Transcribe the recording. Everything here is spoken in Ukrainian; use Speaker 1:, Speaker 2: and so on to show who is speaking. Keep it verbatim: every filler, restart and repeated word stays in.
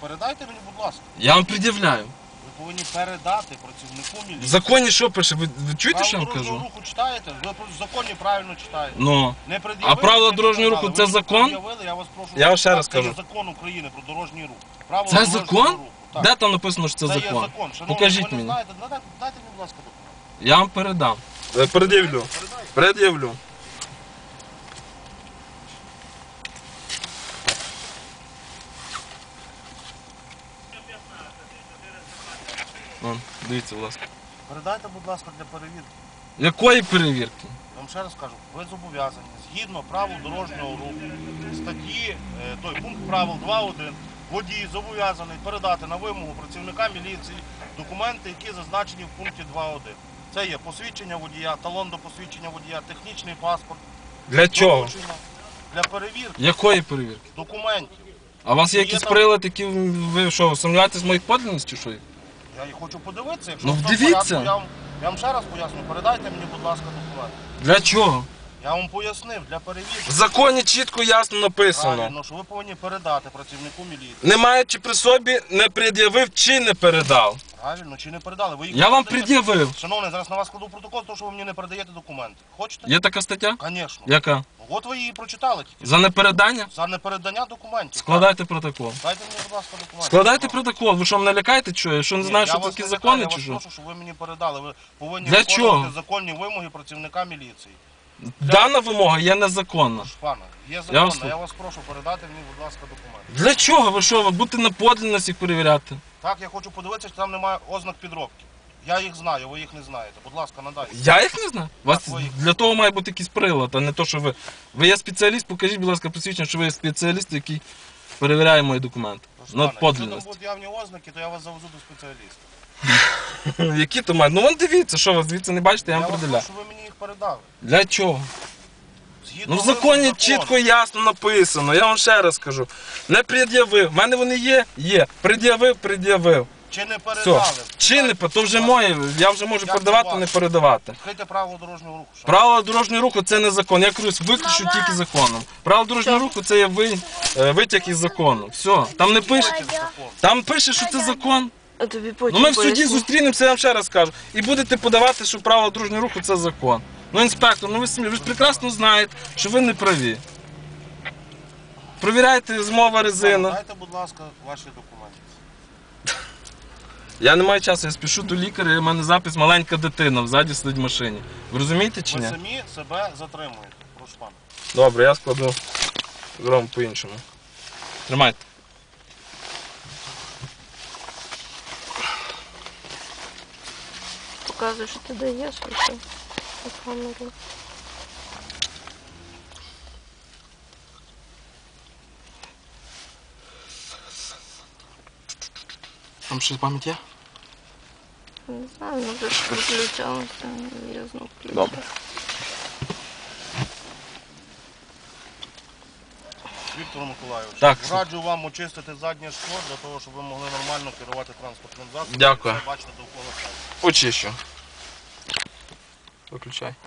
Speaker 1: передайте мені, будь ласка.
Speaker 2: Я вам пред'являю.
Speaker 1: Ви повинні передати працівнику
Speaker 2: В
Speaker 1: міліції.
Speaker 2: законі що пише? Ви, ви чуєте, що я вам
Speaker 1: Правила
Speaker 2: кажу?
Speaker 1: дорожнього руху читаєте? Ви просто в законі правильно читаєте.
Speaker 2: Ну.
Speaker 1: Не пред'явили,
Speaker 2: А правила
Speaker 1: не
Speaker 2: дорожнього
Speaker 1: передали.
Speaker 2: руху це
Speaker 1: Ви
Speaker 2: закон?
Speaker 1: пред'явили, Я вас прошу.
Speaker 2: Я вам ще раз
Speaker 1: Це
Speaker 2: кажу.
Speaker 1: є закон України про дорожній рух. Правила
Speaker 2: Це
Speaker 1: дорожнього
Speaker 2: закон?
Speaker 1: руху. Так.
Speaker 2: Де там написано, що це,
Speaker 1: Це є
Speaker 2: закон?
Speaker 1: закон. Шановні,
Speaker 2: Покажіть
Speaker 1: ви не
Speaker 2: мені.
Speaker 1: знаєте, дайте, дайте мені, будь ласка, документ.
Speaker 2: Я вам передам. Пред'явлю.
Speaker 1: Передайте.
Speaker 2: Пред'явлю. Вон, дивіться, будь ласка.
Speaker 1: Передайте, будь ласка, для перевірки.
Speaker 2: Якої перевірки?
Speaker 1: Я вам ще раз кажу, ви зобов'язані згідно правил дорожнього руху, статті, е, той пункт правил два один, водій зобов'язаний передати на вимогу працівника міліції документи, які зазначені в пункті два один. Це є посвідчення водія, талон до посвідчення водія, технічний паспорт.
Speaker 2: Для чого?
Speaker 1: доручення Для перевірки
Speaker 2: Якої перевірки?
Speaker 1: документів.
Speaker 2: А у вас є
Speaker 1: Є
Speaker 2: якісь
Speaker 1: там-
Speaker 2: прилад, які ви що, сумніваєтесь в моїх подлинності, що?
Speaker 1: Я їх хочу подивитися, якщо
Speaker 2: Ну,
Speaker 1: в тому
Speaker 2: дивіться.
Speaker 1: порядку, я вам, я вам ще раз поясню, передайте мені, будь ласка, документи.
Speaker 2: Для чого?
Speaker 1: Я вам пояснив, для перевірки.
Speaker 2: В законі чітко ясно написано.
Speaker 1: Правильно, що ви повинні передати працівнику міліції.
Speaker 2: Не маючи при собі, не пред'явив чи не передав.
Speaker 1: Правильно, чи не передали? Ви їх
Speaker 2: Я
Speaker 1: не
Speaker 2: вам
Speaker 1: передаєте?
Speaker 2: пред'явив.
Speaker 1: Шановний, зараз на вас кладу протокол, тому що ви мені не передаєте документи. Хочете?
Speaker 2: Є така стаття?
Speaker 1: Звісно.
Speaker 2: Яка?
Speaker 1: От ви її прочитали тільки.
Speaker 2: За непередання?
Speaker 1: За непередання документів.
Speaker 2: Складайте протокол.
Speaker 1: Так. Дайте мені, будь ласка, документи.
Speaker 2: Складайте протокол. Ви що, мене лякаєте, що я? Що не
Speaker 1: Ні,
Speaker 2: знаю,
Speaker 1: я
Speaker 2: що
Speaker 1: вас
Speaker 2: такі
Speaker 1: не
Speaker 2: закони,
Speaker 1: лякаю,
Speaker 2: чи
Speaker 1: Я
Speaker 2: що?
Speaker 1: вас прошу, щоб ви мені передали. Ви повинні
Speaker 2: Для
Speaker 1: виконувати
Speaker 2: чого?
Speaker 1: законні вимоги працівника міліції.
Speaker 2: Дана вимога є незаконна.
Speaker 1: Тож, пане, є
Speaker 2: Я
Speaker 1: законна,
Speaker 2: вас
Speaker 1: я, вас прошу передати мені, будь ласка, документи.
Speaker 2: Для чого? Ви що, ви будете на подлинність їх перевіряти?
Speaker 1: Так, я хочу подивитися, чи там немає ознак підробки. Я їх знаю, ви їх не знаєте. Будь ласка, надайте.
Speaker 2: Я їх не знаю. У вас
Speaker 1: Так, ви їх-
Speaker 2: для того має бути якийсь прилад, а не то, що ви. Ви є спеціаліст, покажіть, будь ласка, посвідчення, що ви є спеціаліст, який перевіряє мої документи.
Speaker 1: Тож,
Speaker 2: На
Speaker 1: пане, якщо там
Speaker 2: подлинність.
Speaker 1: будуть явні ознаки, то я вас завезу до спеціаліста.
Speaker 2: Які то мають? Ну вон дивіться, що ви звідси не бачите, я
Speaker 1: Я
Speaker 2: вам
Speaker 1: вас
Speaker 2: приділяю.
Speaker 1: прошу, щоб ви мені їх передали.
Speaker 2: Для чого?
Speaker 1: Згідно
Speaker 2: Ну в
Speaker 1: вимог
Speaker 2: законі
Speaker 1: закону.
Speaker 2: чітко і ясно написано, я вам ще раз кажу. Не пред'явив. У мене вони є? Є. Пред'явив, пред'явив.
Speaker 1: Чи не
Speaker 2: Все.
Speaker 1: передали?
Speaker 2: Чи не то вже моє, я вже можу
Speaker 1: Як
Speaker 2: передавати,
Speaker 1: це
Speaker 2: не
Speaker 1: ваше?
Speaker 2: передавати.
Speaker 1: Відкрийте правила дорожнього руху. шановні.
Speaker 2: Правила дорожнього руху це не закон. Я кажу, виключу тільки законом. Правила дорожнього руху це є ви- е, витяг із закону. Все. Там не пише.
Speaker 1: Закон.
Speaker 2: Там пише, що це закон.
Speaker 3: А тобі
Speaker 2: Ну
Speaker 3: потім
Speaker 2: ми в суді
Speaker 3: поясню.
Speaker 2: зустрінемося, я вам ще раз кажу. І будете подавати, що правила дорожнього руху це закон. Ну, інспектор, ну ви самі, ви ж прекрасно знаєте, що ви не праві. Провіряйте змова резина.
Speaker 1: Дайте, будь ласка, ваші документи.
Speaker 2: Я не маю часу, я спішу до лікаря, і в мене запис маленька дитина, взаді сидить в машині. Ви розумієте чи
Speaker 1: Ви
Speaker 2: ні?
Speaker 1: самі себе затримуєте. Прошу пана.
Speaker 2: Добре, я складу зробимо по-іншому. Тримайте.
Speaker 3: Показуй, що ти даєш, і все. На камеру.
Speaker 2: Там щось пам'ять є?
Speaker 3: Не знаю, ну вже ж включалося, я знову включу.
Speaker 2: Добре.
Speaker 1: Віктор Миколайович,
Speaker 2: Так.
Speaker 1: раджу вам очистити заднє шкло для того, щоб ви могли нормально керувати транспортним засобом.
Speaker 2: Дякую.
Speaker 1: і все бачити довкола себе.
Speaker 2: Очищу. Виключай.